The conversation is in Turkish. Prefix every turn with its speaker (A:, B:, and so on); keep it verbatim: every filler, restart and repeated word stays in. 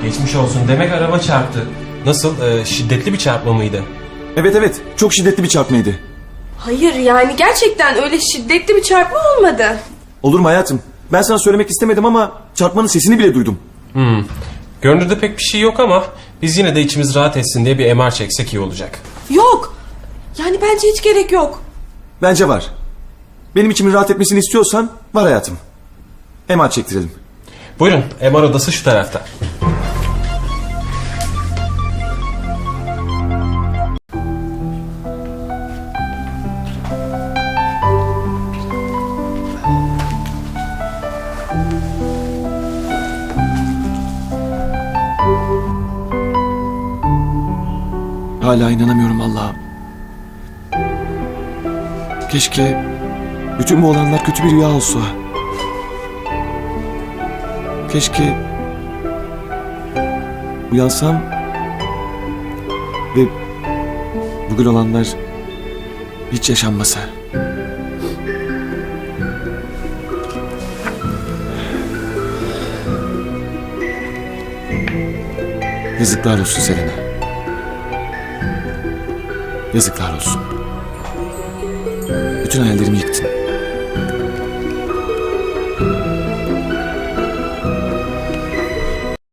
A: Geçmiş olsun. Demek araba çarptı. Nasıl? Ee, şiddetli bir çarpma mıydı?
B: Evet evet, çok şiddetli bir çarpmaydı.
C: Hayır yani gerçekten öyle şiddetli bir çarpma olmadı.
B: Olur mu hayatım? Ben sana söylemek istemedim ama çarpmanın sesini bile duydum.
A: Hmm. Görünürde pek bir şey yok ama biz yine de içimiz rahat etsin diye bir M R çeksek iyi olacak.
C: Yok. Yani bence hiç gerek yok.
B: Bence var. Benim içimin rahat etmesini istiyorsan var hayatım. M R çektirelim.
A: Buyurun, M R odası şu tarafta.
B: Hala inanamıyorum Allah'ım. Keşke bütün bu olanlar kötü bir rüya olsa. Keşke uyansam ve bugün olanlar hiç yaşanmasa. Yazıklar olsun Selena. Yazıklar olsun. Bütün hayallerimi yıktın.